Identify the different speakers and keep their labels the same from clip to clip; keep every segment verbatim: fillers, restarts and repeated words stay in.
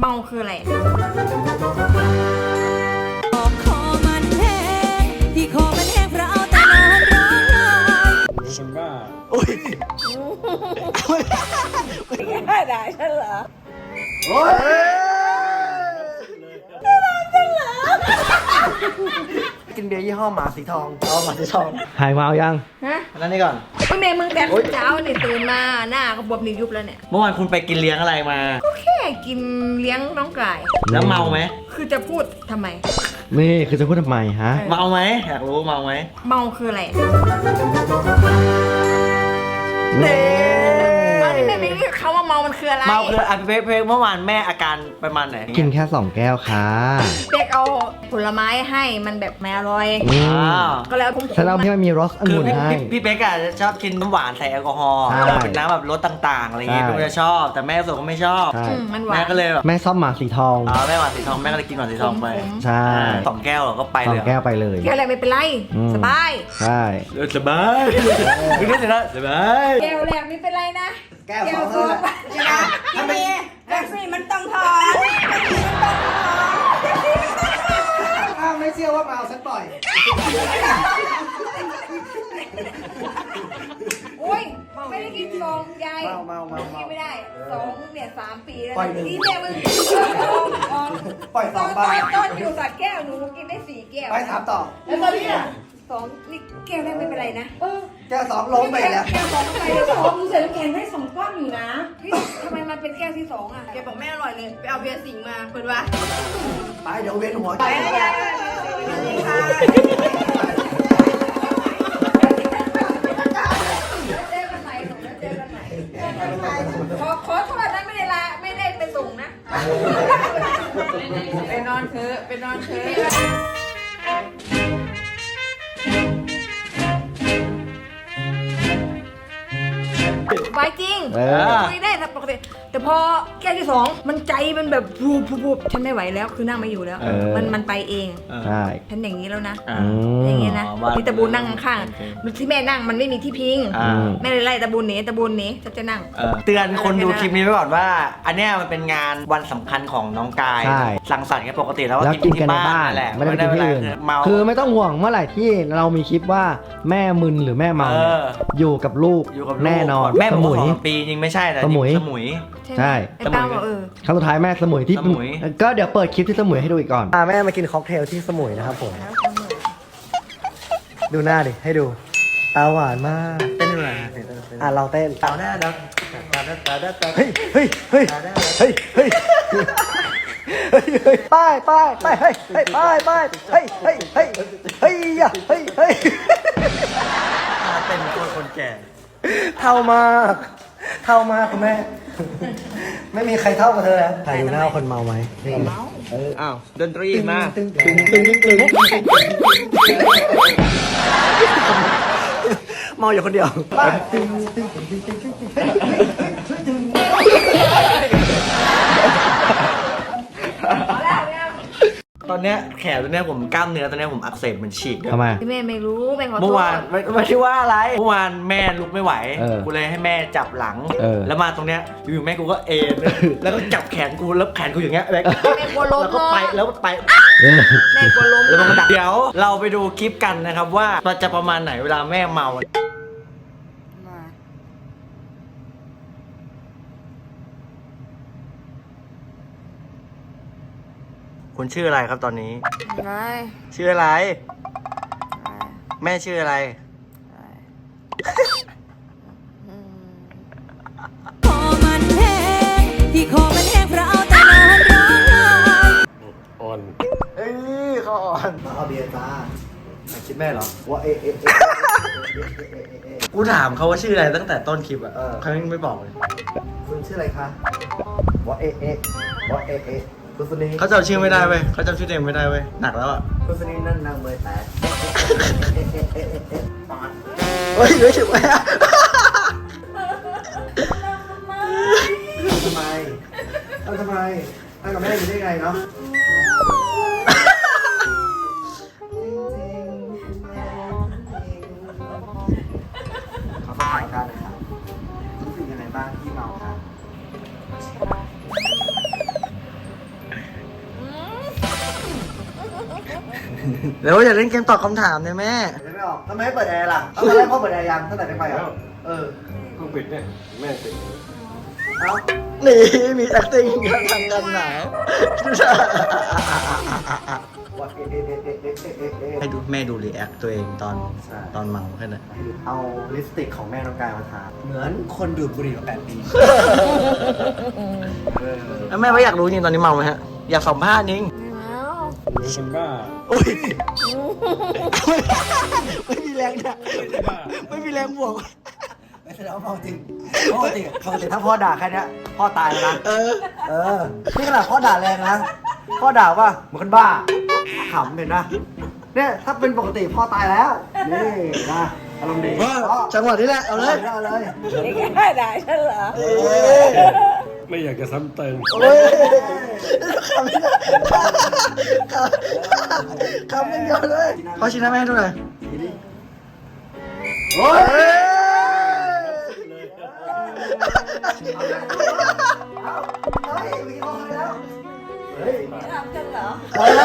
Speaker 1: เมาคืออะไร
Speaker 2: คอมันแห้งที่คอมันแห้งเพราะเอาแต่นอนร้องไห้
Speaker 3: คนบ้า
Speaker 4: โอ้ย
Speaker 1: ไม่ได้ฉันเหรอ
Speaker 4: โอ้ยกินเบียร์ยี่ห้อหมาสีทองเอาหมาสีทองหายเมายัง
Speaker 1: ฮะ
Speaker 4: นั่นนี่ก่อน
Speaker 1: พี่เมย์มึงแต่เช้าเนี่ยตื่นมาหน้าก็บวมนิ้วยุบแล้วเนี่ย
Speaker 4: เมื่อวานคุณไปกินเลี้ยงอะไรมา
Speaker 1: ก็แค่กินเลี้ยงน้องไก่
Speaker 4: แล้วเมาไหม
Speaker 1: คือจะพูดทำไม
Speaker 5: นี่คือจะพูดทำไมฮะ
Speaker 4: เมาไหมอยากรู้เมาไหม
Speaker 1: เมาคืออะไร
Speaker 4: เน่
Speaker 1: ไม่ไม่ไม่เขาว่าเมามันคืออะไร
Speaker 4: เมาคืออ่ะเพเพเมื่อวานแม่อาการประมาณไหน
Speaker 5: กินแค่สองแก้วค่ะ
Speaker 1: เด็กเอาผลไม้ให้มันแบบไม่อร่อยก็แล้วผม
Speaker 5: ฉันเอาที่มันมีรสองุ่นให้
Speaker 4: พี่เป๊กอะชอบกินน้ำหวานใส่แอลกอฮอล์เป็นน้ำแบบรสต่างๆอะไรเงี้ยพี่จะชอบแต่แม่ส่วนก็ไม่ชอบแม่ก็เลยแบบ
Speaker 5: แม่ชอบหมาสีทอง
Speaker 4: อ๋อแม่หวานสีทองแม่ก็เลยกินหวานสีทองไป
Speaker 5: ใช่
Speaker 4: สองแก้วก็ไปเลย
Speaker 5: สองแก้วไปเลย
Speaker 1: แก้วอะไรไม่เป็นไรสบาย
Speaker 5: ใช่
Speaker 4: สบายคือนี่สินะสบาย
Speaker 1: แก้วแรกไม่เป็นไรนะ
Speaker 4: แก้วสอง
Speaker 1: ใช่ไหมพี่เมย์แท็กซี่มันต้องถอน
Speaker 4: ถ้าไม่เชื่อว่าเมาฉันปล่อย
Speaker 1: โอ้ยไม่ได้กินสองยาย
Speaker 4: เมาเมาเมา
Speaker 1: กินไม่ได้สองเนี่ยสามปีแล้ว
Speaker 4: นี่
Speaker 1: เนี่ยมึง
Speaker 4: ปล่อยสองใบ
Speaker 1: ต้นอยู่สัตว์แก้วหนูกินได้สี่แก้ว
Speaker 4: ไปถามต่อ
Speaker 1: แล้วตอนนี้สองนี่แก้วแรกไม่เป็นไรนะ
Speaker 4: แก้วสองล้มไปแล้ว
Speaker 1: แก้วสองไปแล้วสองมึงใส่น้ำแข็งให้สองก้อนอยู่นะทำไมมันเป็นแก้วที่สองอ่ะแกบอกไม่อร่อยเลยไปเอาเบียร์สิงมาเปิดว่า
Speaker 4: ไปเดี๋ยวเวียนหัว
Speaker 1: ไปค่ะขอขอโทษนะไม่ได้ลาไม่ได้ไปส่งนะไปนอนเถอะไปนอนเถอะไว้จริงคุยได้แต่ปกติแต่พอแก้วที่สองมันใจมันแบบพูบพูบฉันไม่ไหวแล้วคือนั่งไม่อยู่แล้วมันมันไปเอง
Speaker 5: ใช่
Speaker 1: ฉันอย่างนี้แล้วนะอย่างนี้นะที่ตะบูนนั่งข้างที่แม่นั่งมันไม่มีที่พิงแม่เลยไล่ตะบูนหนีตะบูนหนีจะจะนั่ง
Speaker 4: เตือนคนดูคลิปนี้ไว้ก่อนว่าอันนี้มันเป็นงานวันสำคัญของน้องกายสังสรรค์กันปกติแล้วว่ากินที่บ้านแหละ
Speaker 5: ไม่ได้ไปที่อื่นคือไม่ต้องห่วงเมื่อไหร่ที่เรามีคลิปว่าแม่มึนหรือแม่เมาอยู่กับลูกแน่นอน
Speaker 4: แม่สมุยปีจริงไม่ใช่แต่สมุยสมุย
Speaker 5: ใช่
Speaker 1: สมุย
Speaker 5: ครั้งสุดท้ายแม่สมุยที่ก็เดี๋ยวเปิดคลิปที่สมุยให้ดูอีกก่อนแม่มากินค็อกเทลที่สมุยนะครับผมดูหน้าดิให้ดูตาหวานมาก
Speaker 4: เต้นอะไร
Speaker 5: อ่ะเราเต้น
Speaker 4: ตาหน้าดังตาหน้าตาหน้าตา
Speaker 5: เฮ้ยเฮ้ยเฮ้ยเฮ้ยเฮ้ยเฮ้ยไปไปไปเฮ้ยเฮ้ยไปไปเฮ้ยเฮ้ยเฮ้ยเฮ้ยเฮ้ยเฮ้ย
Speaker 4: เต้นคนคนแก่
Speaker 5: เท่ามากเท่ามากคุณแม่ไม่มีใครเท่ากับเธอแล้วใครดูหน้าคนเมาไหม
Speaker 1: เมา
Speaker 4: อ้าวดนตรีมา
Speaker 5: ตึงตึงตึงตึงเมาอยู่คนเดียว
Speaker 4: ตอนเนี้ยแขนตัวเนี้ยผมกล้ามเนื้อตัวเนี้ยผมอักเสบมันฉีก
Speaker 5: ทำไม
Speaker 1: แม่ไม่รู้แม่ขอโทษ
Speaker 4: เมื่อวานไม่ใช่ว่าอะไรเมื่อวานแม่ลุกไม่ไหวกูเลยให้แม่จับหลังแล้วมาตรงเนี้ยอยู่แม่กูก็เอ็นแล้วก็จับแขนกูแล้วแขนกูอย่างเงี้ยแม่
Speaker 1: กลัวล้ม
Speaker 4: แล้วก็ไปแล้วไป
Speaker 1: แม่กลัวล้ม
Speaker 4: แล้วมันก็ดักเดี๋ยวเราไปดูคลิปกันนะครับว่ามันจะประมาณไหนเวลาแม่เมาคุณชื่ออะไรครับตอนนี้ชื่ออะไรแม่ชื่ออะไร
Speaker 2: คอมันแห้งที่คอมันแห้งเพราะเอาแต่นอนร้องไห้
Speaker 4: อ่อนเอ้ยเขาอ่อนมาเอาเบียร์จ้าคิดแม่เหรอว่าเอเอกูถามเขาว่าชื่ออะไรตั้งแต่ต้นคลิปอ่ะเขาไม่บอกเลยคุณชื่ออะไรคะว่าเอเอว่าเอเอเขาจำชื่อไม่ได้เว้ยเขาจำชื่อเต็มไม่ได้เว้ยหนักแล้วอ่ะคุณสนิทนั่นนางเมยแตกเฮ้ยเดี๋ยวฉุกไหมทำไมทำไมนั่งกับแม่อยู่ได้ไงเนาะขอถามกันนะครับรู้สึกยังไงบ้างที่เมาครับ
Speaker 5: แล้วอย่าเล่นเกมตอบคำถามเนี่ยแม่
Speaker 4: ไม่ออกทำไมไม่เปิดแอร์ล่ะตอนแรกพ่อเปิดแอร์ยังตั้งแต่ได้ไปอ่ะเออ
Speaker 3: เพิ่งปิดเนี่ยแม่ติด
Speaker 4: เอ้า
Speaker 5: นี่มี acting กันทางกันหนาว
Speaker 4: ว่าเอ๊ะเอ๊ะเอ๊ะเอ๊ะเอ๊ะเอ๊ะเอ๊ะเอ๊ะ
Speaker 5: ให้ดูแม่ดูรีแอคตัวเองตอน
Speaker 4: ใช่
Speaker 5: ตอนเมาแค่นั้น
Speaker 4: เอาลิปสติกของแม่น้องกายมาทาเหมือนคนดูดบุหรี่มาแปดปีเออ
Speaker 5: แล้วแม่ว่าอยากรู้จริงตอนนี้เมาไหมฮะ อยากสัมภาษณ์จริง
Speaker 3: มีคนบ้า
Speaker 5: อุ้ยไม่มีแรงเนี่ยไม่มีแรงบวก
Speaker 4: ไม่ใช่แล้วาเมาจริงปกติปกติถ้าพ่อด่าแค่เนี้ยพ่อตายแล้วนะ
Speaker 5: เออ
Speaker 4: เออนี่ขนาดพ่อด่าแรงนะพ่อด่าว่าเหมือนคนบ้าขำเห็นนะเนี่ยถ้าเป็นปกติพ่อตายแล้วนี่นะอารมณ์ดี
Speaker 5: ว่าจังหวะนี้แหละ เอาเลย
Speaker 4: เอาเลย
Speaker 1: นี่แค่ด่าฉันเหรอ
Speaker 5: เอ้ย
Speaker 3: ไม่อยากจะซ้ำเติม
Speaker 5: โอ้ยคำนี้คำยังเดียวเลยขอชิ้นหน้าแม่ดูหน่อย
Speaker 4: โอ้ยเฮ้ยมีคนแล้วเฮ้ย
Speaker 1: ทำฉันเหรอ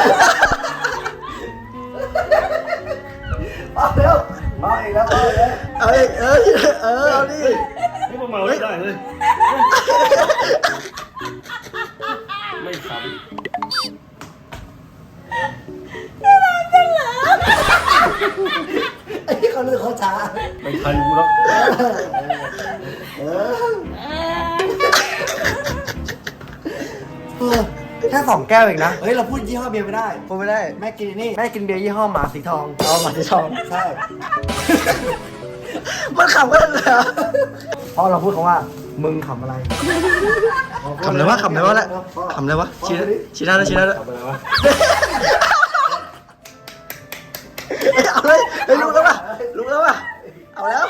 Speaker 4: เอาเร็วเอาอีกแล้วเอาเลย
Speaker 5: เอาอีกเออเออเอาดิ
Speaker 3: นี่มาเมาไม่ได้เลย ไม่ซ้
Speaker 4: ไอ้ที่เขาเลือกเขาช้า
Speaker 3: ำไม่ใครรู้แล้ว
Speaker 4: เออแค่สองแก้วเองนะ เฮ้ย เราพูดยี่ห้อเบียร์ไม่ได้
Speaker 5: พูดไม่ได้
Speaker 4: แม่กินนี่ แม่กินเบียร์ยี่ห้อหมาสีทอง
Speaker 5: เอาหมาที่ชอง
Speaker 4: ใช่
Speaker 5: มันขำกันเลยเหรอ
Speaker 4: เพราะเราพูดคำว่า มึงขำอะไร
Speaker 5: ขำเลยวะขำเลยวะแหละขำเลยวะชี้ชี้หน้าด้วยชี้หน้าด้วย
Speaker 3: ทำอะไรวะ
Speaker 5: เอาเลยเฮ้ยลุกแล้วป่ะลุกแล้วป่ะเอาแล้ว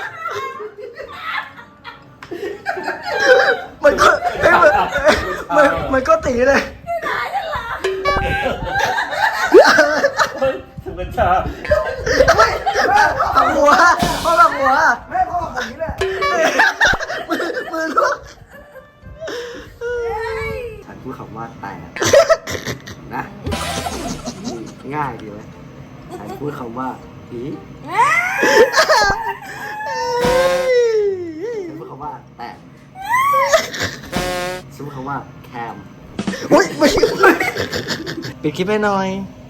Speaker 5: มันก็เฮ้ยมันมันมันก็ตีเลย
Speaker 3: ถึงเป็นชา
Speaker 5: ไม่หักหัวพ่อหักหัว
Speaker 4: แม่พ่อแบบนี้แหละ
Speaker 5: มือมือลุก
Speaker 4: ฉันพูดคำว่าแต่นะ ง่ายดีไหมฉันพูดคำว่าผีฉันพูดคำว่าแต่ฉันพูดคำว่าแคม
Speaker 5: อุ้ยไม่ปิดคลิปให้หน่อย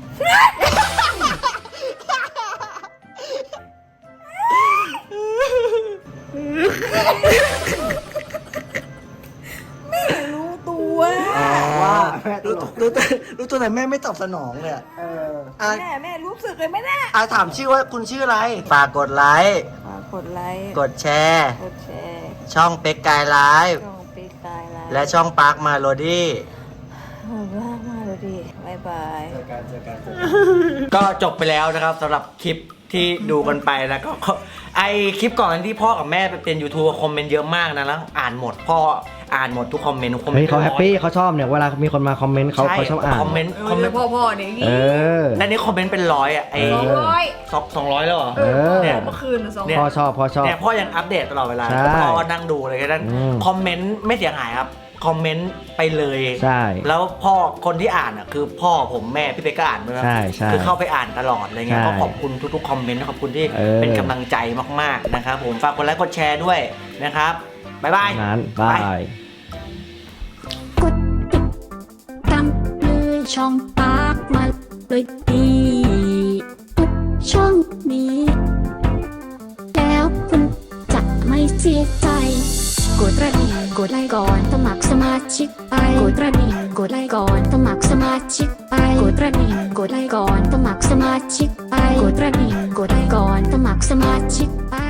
Speaker 1: รู้ตัว
Speaker 4: ว่าแม่ต
Speaker 5: รู้
Speaker 4: ล
Speaker 5: ตัว
Speaker 4: ก
Speaker 5: รู้ตัวรู้ตัวไหนแม่ไม่ตอบสนองเลยอะ
Speaker 4: เออ
Speaker 5: อ่ะ
Speaker 1: แม่แม่รู้สึกเลยไหมเนี่ย
Speaker 5: อ่ะถามชื่อว่าคุณชื่ออะไร ฝากกดไลค์
Speaker 1: ฝากกดไลค์
Speaker 5: กดแชร์
Speaker 1: กดแชร์
Speaker 5: ช่องเป็กกายไลฟ์
Speaker 1: ช่องปีกายไลฟ์
Speaker 5: และช่องปาร์คมาโลดี้
Speaker 1: ขอบคุณมากเลยดิบายบาย
Speaker 4: เจอกันเจอกันเจอกัน
Speaker 5: ก็จบไปแล้วนะครับสำหรับคลิปที่ดูกันไปแล้วก็ไอคลิปก่อนที่พ่อกับแม่ไปเป็น ยูทูบ คอมเมนต์เยอะมากนะแล้วอ่านหมดพ่ออ่านหมดทุกคอมเมนต์คอมเมน
Speaker 6: เฮ้ย
Speaker 5: ต์
Speaker 6: เขาแฮปปี้เขาชอบเนี่ยเวลามีคนมาคอมเมนต์เขา
Speaker 5: ใช่
Speaker 6: เขาชอบอ่าน
Speaker 5: คอมเมนต์
Speaker 1: เอ
Speaker 5: คอมเม
Speaker 1: อน
Speaker 5: ต์
Speaker 1: พ่อพ่อเนี่ยอย่าง
Speaker 6: เอ
Speaker 1: งี้
Speaker 6: อ
Speaker 5: และนี่คอมเมนต์เป็นร้อยอ่ะไอ
Speaker 1: สองร้อย
Speaker 5: สองสองร้อยแล้วเหรอ
Speaker 1: เออ
Speaker 6: เนี่ย
Speaker 1: เมื่อคืนน่ะสอง
Speaker 5: เนี่ย
Speaker 6: พ่อชอบพ่อชอบ
Speaker 5: เนี่ยพ่อยังอัปเดตตลอดเวลา
Speaker 6: ใช่
Speaker 5: พ่อก็นั่งดูเลยแค่นั้น
Speaker 6: อืม
Speaker 5: คอมเมนต์ไม่เสียหายครับคอมเมนต์ไปเลย
Speaker 6: ใช่
Speaker 5: แล้วพ่อคนที่อ่านอ่ะคือพ่อผมแม่พี่เป๊กก็อ่านด้วยนะ
Speaker 6: ใช่ใช่
Speaker 5: คือเข้าไปอ่านตลอดอะไรเงี้ย
Speaker 6: ใช่
Speaker 5: ก็ขอบคุณทุกๆคอมเมนต์ขอบคุณที่
Speaker 6: เออ
Speaker 5: เป็นกำลังใจมากๆนะครับผมฝากกดไลค์กดแชร์ด้วยนะครับบ๊ายบาย
Speaker 6: นั้นบาย
Speaker 2: กดติดตามเลยช่องปากมาเลยดีทุกช่องนี้ แล้วคุณจะไม่เสียใจ กดกระดิ่งกดไลค์ก่อนสมัครสมาชิกไปกดกระดิ่งกดไลค์ก่อนสมัครสมาชิกไปกดกระดิ่งกดไลค์ก่อนสมัครสมาชิกไปกดกระดิ่งกดไลค์ก่อนสมัครสมาชิกไป